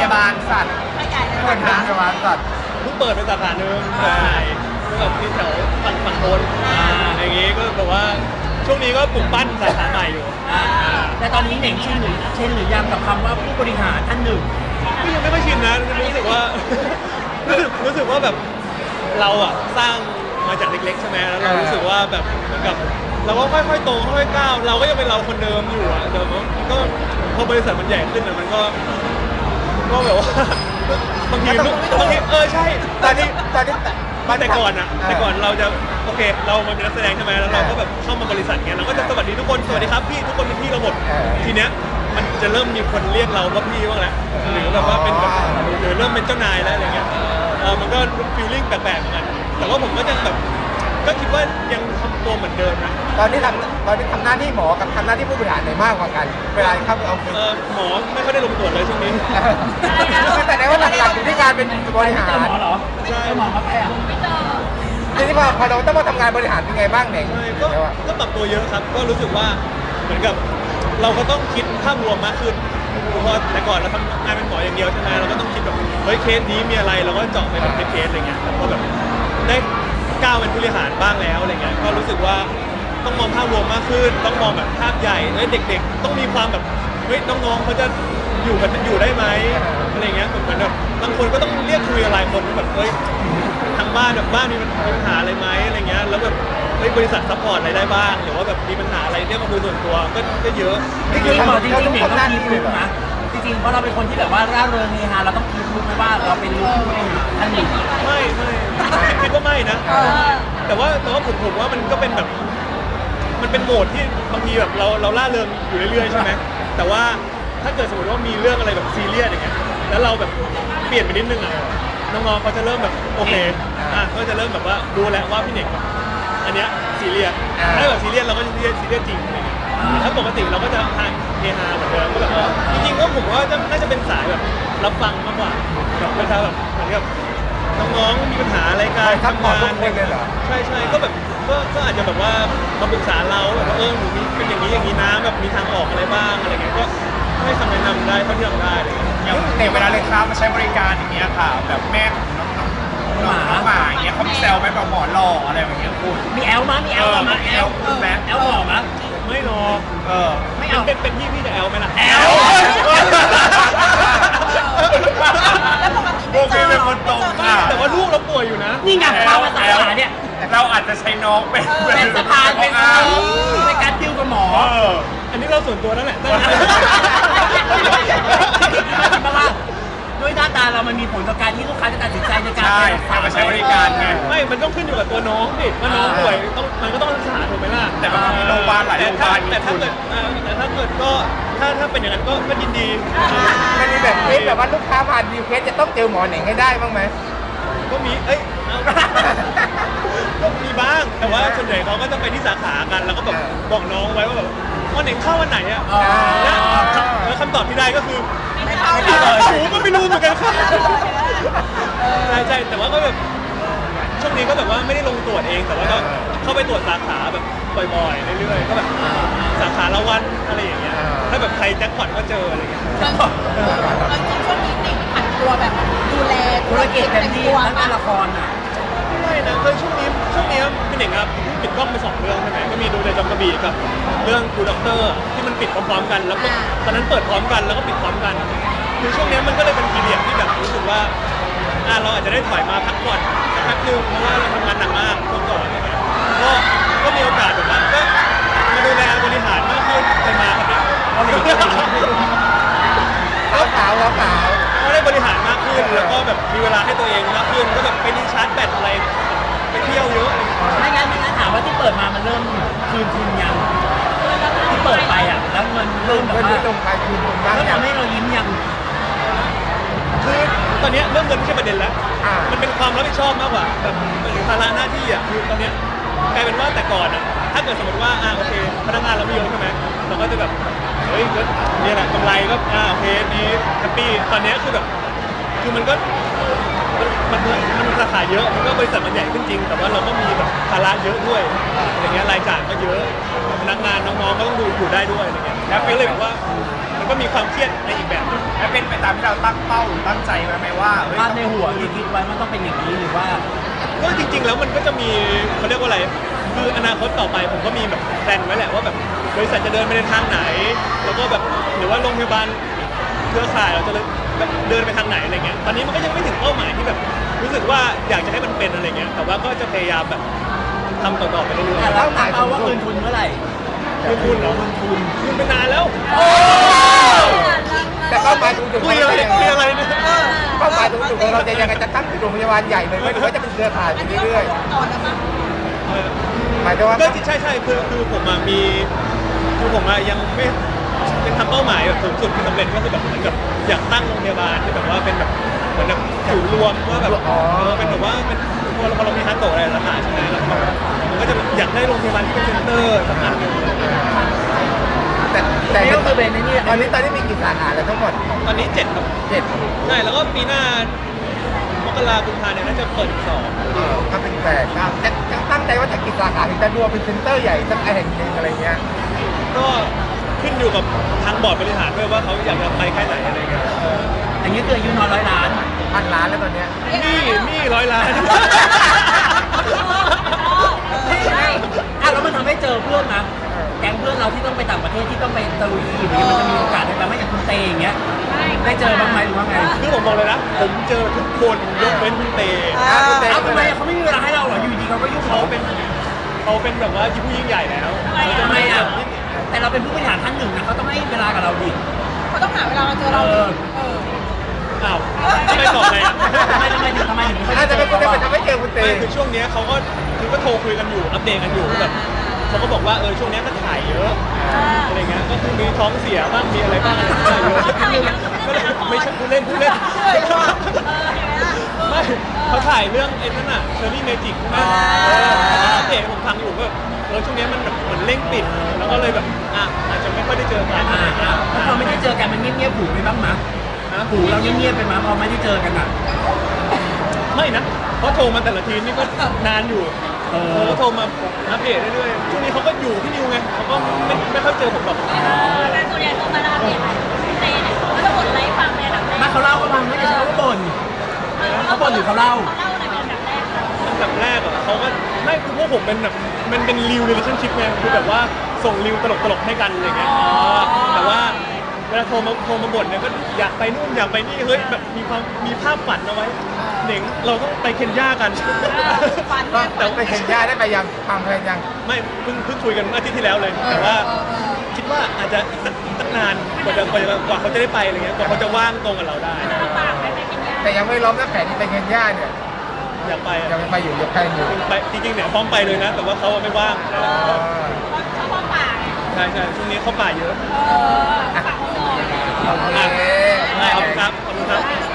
บาลสัตว์เปิดโรงพยาบาลสัตว์เพิ่งเปิดเป็นสาขาหนึ่งใช่ก็แบบที่แถวฝั่งโน้นอย่างงี้ก็แบบว่าช่วงนี้ก็ปลูกปั้นสาขาใหม่อยู่แต่ตอนนี้เหน่งชินหรือยังกับคำว่าผู้บริหารท่านหนึ่งก็ยังไม่ค่อยชินนะรู้สึกว่า รู้สึกว่าแบบเราอะสร้างมาจากเล็กๆใช่ไหมแล้วเรารู้สึกว่าแบบเหมือนกับเราก็ค่อยๆโตค่อยๆก้าวเราก็ยังเป็นเราคนเดิมอยู่อะเดี๋ยวมันก็พอบริษัทมันใหญ่ขึ้นอะมันก็แบบว่าบางทีใช่ตอนนี้แต่ก่อนเราจะโอเคเรามาเป็นนักแสดงใช่ไหมแล้วเราก็แบบเข้ามาบริษัทเงี้ยเราก็จะสวัสดีทุกคนสวัสดีครับพี่ทุกคนเป็นพี่เราหมดทีเนี้ยมันจะเริ่มมีคนเรียกเราว่าพี่บ้างแล้วหรือแบบว่าเป็นแบบหรือเริ่มเป็นเจ้านายแล้วอะไรเงี้ยมันก็ฟีลลิ่งแปลกๆเหมือนกันแต่ว่าผมก็ยังแบบก็คิดว่ายังทำตัวเหมือนเดิมนะตอนนี้ทำหน้าที่หมอกับทำหน้าที่ผู้บริหารไหนมากกว่ากันเวลาเข้าไปเอาหมอไม่ค่อยได้ลงตรวจเลยช่วงนี้แต่ในว่าหลักๆอยู่ที่การเป็นบริหารหมอเหรอใช่หมอครับไม่เจอทีนี้พอเราต้องมาทำงานบริหารเป็นไงบ้างเนี่ยก็ปรับตัวเยอะครับก็รู้สึกว่าเหมือนกับเราก็ต้องคิดภาพรวมมากขึ้นเพราะแต่ก่อนเราทำงานเป็นหมออย่างเดียวใช่ไหมเราก็ต้องคิดแบบเฮ้ยเคสนี้มีอะไรเราก็เจาะไปแบบเคสอะไรเงี้ยแต่พอแบบได้ก้าวเป็นผู้บริหารบ้างแล้วอะไรเงี้ยก็รู้สึกว่าต้องมองภาพรวมมากขึ้นต้องมองแบบภาพใหญ่เด็กๆต้องมีความแบบเฮ้ยน้องๆเขาจะอยู่ได้ไหมอะไรเงี้ยเหมือนแบบบางคนก็ต้องเรียกคุยอะไรคนแบบเฮ้ยทางบ้านแบบบ้านมีปัญหาอะไรไหมอะไรเงี้ยแล้วแบบบริษัทซัพพอร์ตอะไรได้บ้างหรือว่าแบบมีปัญหาอะไรเรียกมาคุยส่วนตัวก็เยอะจริงๆหมอจริงๆเหน่งต้องคีบลุกนะจริงๆเพราะเราเป็นคนที่แบบว่าร่าเริงเฮฮาเราต้องคีบลุกไหมว่าเราเป็นลูกผู้บริหารท่านหนึ่งไม่คิดว่าไม่นะแต่ว่าผมว่ามันก็เป็นแบบมันเป็นโหมดที่บางทีแบบเราล่าเริงอยู่เรื่อยๆใช่ไหมแต่ว่าถ้าเกิดสมมติว่ามีเรื่องอะไรแบบซีเรียสอย่างเงี้ยแล้วเราแบบเปลี่ยนไปนิดนึงอ่ะน้องๆเขาจะเริ่มแบบโอเคก็จะเริ่มแบบว่ารู้แล้วว่าพี่เน่งอันเนี้ยซีเรียสถ้าแบบซีเรียสเราก็จะซีเรียสจริงอะไรเงี้ยถ้าปกติเราก็จะเฮฮาเหมือนเดิมก็แบบจริงๆก็ผมว่าน่าจะเป็นสายแบบรับฟังมากกว่าแบบเวลาแบบเหมือนกับน้องๆมีปัญหาอะไรกันทำงานใช่ก็แบบก็อาจจะแบบว่ามาปรึกษาเราแบบว่าหนูมีเป็นอย่างนี้นะแบบมีทางออกอะไรบ้างอะไรเงี้ยก็ให้คำแนะนำได้เท่าที่ทำได้อะไรเงี้ยอย่างในเวลาเลยครับมาใช้บริการอย่างเงี้ยค่ะแบบแม่น้องหมาอย่างเงี้ยเขามีแซวไหมแบบหมอหล่ออะไรอย่างเงี้ยคุณมีแอลมั้ยมีแอลมั้ยแอลหล่อมั้ยไม่หรอกไม่เอาเป็นพี่จะแอลไหมล่ะแอลโอเคเป็นคนตรงแต่ว่าลูกเราป่วยอยู่นะนี่ไงความภาษาเนี่ยเราอาจจะใช้น้องเป็นสะพานเป็นในการดิวกับหมออันนี้เราส่วนตัวนั่นแหละด้วยหน้าตาเรามันมีผลต่อการที่ลูกค้าจะตัดสินใจในการมาใช้บริการไงไม่มันต้องขึ้นอยู่กับตัวน้องดิว่าน้องป่วยมันก็ต้องรักษาถูกไหมล่ะแต่บางทีโรงพยาบาลหลายโรงพยาบาลแต่ถ้าเกิดก็ถ้าเป็นอย่างนั้นก็ยินดีมันมีแบบเคสแบบว่าลูกค้าผ่านดีเคสจะต้องเจอหมอเหน่งให้ได้บ้างไหมก็มีก็มีบ้างแต่ว่าส่วนใหญ่เขาก็จะไปที่สาขากันแล้วก็แบบบอกน้องไว้ว่าแบบวันไหนเข้าวันไหนอ่ะแล้วคำตอบที่ได้ก็คือไม่เข้าก็ไม่รู้เหมือนกันครับใช่แต่ว่าก็แบบช่วงนี้ก็แบบว่าไม่ได้ลงตรวจเองแต่ว่าก็เข้าไปตรวจสาขาแบบบ่อยๆเรื่อยๆก็แบบสาขาละวันอะไรอย่างเงี้ยถ้าแบบใครแจ็คพอตก็เจออะไรอย่างเงี้ยช่วงนี้ติดผันตัวแบบดูแลธุรกิจเต็มที่ทั้งงานละครอ่ะไม่นะคือช่วงนี้พี่เน่งครับปิดกล้องไป2 เรื่องใช่ไหมก็มีดูในจอมกระบี่กับเรื่องกูด็อกเตอร์ที่มันปิดพร้อมๆกันแล้วตอนนั้นเปิดพร้อมกันแล้วก็ปิดพร้อมกันคือช่วงนี้มันก็เลยเป็นพีเรียดที่แบบรู้สึกว่าเราอาจจะได้ถอยมาพักผ่อนสักพักนึงเพราะว่าเราทำงานหนักมากช่วงก่อนอะไรเงี้ยก็มีโอกาสแบบนั้นก็มาดูแลบริหารมากขึ้นไปมาครับเนี่ยขาวก็ได้บริหารมากขึ้นแล้วก็แบบมีเวลาให้ตัวเองมากขึ้นก็แบบไปรีชาร์จแบตอะไรไปเที่ยวเยอะไม่งั้นถามว่าที่เปิดมามันเริ่มคืนทุนยังที่เปิดไปอ่ะแล้วเงินเริ่มแบบว่าตรงไปคืนทุนบ้างแล้วทำให้เรายิ้มยังคือตอนนี้เรื่องเงินไม่ใช่ประเด็นแล้วมันเป็นความรับผิดชอบมากกว่าแบบหรือภาระหน้าที่อ่ะคือตอนนี้กลายเป็นว่าแต่ก่อนอ่ะถ้าเกิดสมมติว่าโอเคพนักงานเราไม่เยอะใช่ไหมเราก็จะแบบเฮ้ยก็นี่แหละกำไรก็โอเคดีแฮปปี้ตอนนี้คือแบบคือมันราคาเยอะมันก็บริษัทมันใหญ่ขึ้นจริงแต่ว่าเราก็มีแบบภาระเยอะด้วยอย่างเงี้ยรายจ่ายก็เยอะพนักงานน้องๆก็ต้องดูอยู่ได้ด้วยอะไรเงี้ยแล้วก็เลยแบบว่ามันก็มีความเครียดในอีกแบบหนึงและเป็นไปตามที่เราตั้งเป้าหรือตั้งใจไว้ไหมว่าเฮ้ยภาพในหัวที่คิดไว้มันต้องเป็นอย่างนี้หรือว่าก็จริงๆแล้วมันก็จะมีเขาเรียกว่าอะไรคืออนาคตต่อไปผมก็มีแบบแพลนไว้แหละว่าแบบบริษัทจะเดินไปในทางไหน แล้วก็แบบหรือว่าโรงพยาบาลเครือข่ายเราจะแบบเดินไปทางไหนอะไรเงี้ยตอนนี้มันก็ยังไม่ถึงเป้าหมายที่แบบรู้สึกว่าอยากจะให้มันเป็นอะไรเงี้ยแต่ว่าก็จะพยายามแบบทำต่อๆไปเรื่อยแต่เราตั้งเป้าว่าคืนทุนเมื่อไหร่ๆคืนทุนเหรอคืนไปนานแล้วแต่เป้าหมายสูงสุดคุยอะไรเนี่ยเป้าหมายสูงสุดของเราจะยังไงจะตั้งเป็นโรงพยาบาลใหญ่เลยไหมหรือว่าจะเป็นเครือข่ายไปเรื่อยต่อแล้วมั้งเออๆหมายถึงว่าก็ใช่คือผมอะมีคือผมอะยังไม่เป็นทำเป้าหมายแบบสูงสุดที่สำเร็จก็คือแบบเหมือนกับอยากตั้งโรงพยาบาลที่แบบว่าเป็นแบบเหมือนแบบศูนย์รวมว่าแบบเป็นแบบว่าเป็นพอเรามีฮัตโตะอะไรสาขาใช่ไหมแล้วก็มันก็จะอยากได้โรงพยาบาลที่เป็นเซ็นเตอร์สักอันหนึ่งแต่นี่ก็คือเป็นในนี่ตอนนี้มีกี่สาขาแล้วทั้งหมดตอนนี้7ครับ 7 ใช่แล้วก็ปีหน้ามกราคมกุมภาเนี่ยน่าจะเปิดอีก2 ก็เป็น8ครับจะตั้งใจว่าจะกี่สาขาถึงจะรวมเป็นเซ็นเตอร์ใหญ่สักแห่งหนึ่งอะไรเงี้ยก็ขึ้นอยู่กับทางบอร์ดบริหารด้วยว่าเขาอยากจะไปแค่ไหนอะไรเงี้ยอย่างนี้คืออายุน้อย100 ล้าน 1,000 ล้านแล้วตอนเนี้ยนี่100 ล้านอ่ะแล้วมันทำให้เจอเพื่อนนะแก๊งเพื่อนเราที่ต้องไปต่างประเทศที่ต้องไปตะลุยอีกมันจะมีโอกาสได้ไหมไม่อย่างคุณเตอย่างเงี้ยได้เจอบ้างไหมหรือว่าไงคือผมบอกเลยนะผมเจอทุกคนยกเว้นคุณเตเอาทำไมเขาไม่มีเวลาให้เราเหรออยู่ดีเขาก็ยุ่งเขาเป็นแบบว่าผู้ยิ่งใหญ่แล้วเขาจะทำไมไม่อ่ะแต่เราเป็นผู้บริหารท่านหนึ่งนะเขาต้องให้เวลากับเราดิเขาต้องหาเวลามาเจอเราดิอ้าวไม่บอกไงอ่ะทำไมถึงไม่น่าจะเป็นคนที่ไปทำให้เจอคุณเต้ไม่คือช่วงเนี้ยเขาก็คือก็โทรคุยกันอยู่อัปเดตกันอยู่แบบเขาก็บอกว่าช่วงเนี้ยก็ถ่ายเยอะอะไรเงี้ยก็คือมีท้องเสียบ้างมีอะไรบ้างอะไรบ้างเยอะก็เลยไม่ใช่พูดเล่นไม่เขาถ่ายเรื่องไอ้นั่นน่ะเชอรี่เมจิกใช่ไหมอัปเดตผมฟังอยู่ก็ช่วงนี้มันแบบเหมือนเร่งปิดแล้วก็เลยแบบอาจจะไม่ค่อยได้เจอกันอะไรเงี้ยแล้วพอไม่ได้เจอกันมันเงียบๆหูไปบ้างมั้ยหูเราเงียบๆไปมั้ยพอไม่ได้เจอกันอ่ะไม่นะเพราะโทรมาแต่ละทีนี่ก็นานอยู่เขาโทรมาอัปเดตเรื่อยๆช่วงนี้เขาก็อยู่ที่นิวไงเขาก็ไม่ค่อยเจอผมหรอกแต่ส่วนใหญ่โทรมาแล้วอัปเดตเตเนี่ยเขาจะบ่นอะไรให้ฟังในอันดับแรกมาเขาเล่าก็ฟังไม่ได้ใช่ว่าบ่นเขาบ่นหรือเขาเล่าเขาเล่าอะไรเป็นอันดับแรกครับอันดับแรกอ่ะเขาก็ไม่คือพวกผมเป็นแบบมันเป็นรีว relationship ไงคือแบบว่าส่งรีวตลกๆให้กันอะไรเงี้ยแต่ว่าเวลาโทรมาบ่นเนี่ยก็อยากไปนู่นอยากไปนี่เฮ้ยแบบมีภาพฝันเอาไว้เหน่งเราต้องไปเคนยากันฟันแต่ไปเห็นญาติได้ไปยังทำอะไรยังไม่เพิ่งคุยกันอาทิตย์ที่แล้วเลยแต่ว่าคิดว่าอาจจะอีกสักนานกว่าเขาจะได้ไปอะไรเงี้ยกว่าเขาจะว่างตรงกับเราได้ปากไปกินยาแต่ยังไม่ล้อมนะแผนที่ไปเห็นญาติเนี่ยอยากไปยังไม่ไปอยู่ยังแพลนอยู่ไปจริงๆเนี่ยพร้อมไปเลยนะ แต่ว่าเขาไม่ว่างเขาพ่อปากใช่ช่วงนี้เขาป่าเยอะปากเขาหน่อยโอเคขอบคุณครับขอบคุณครับ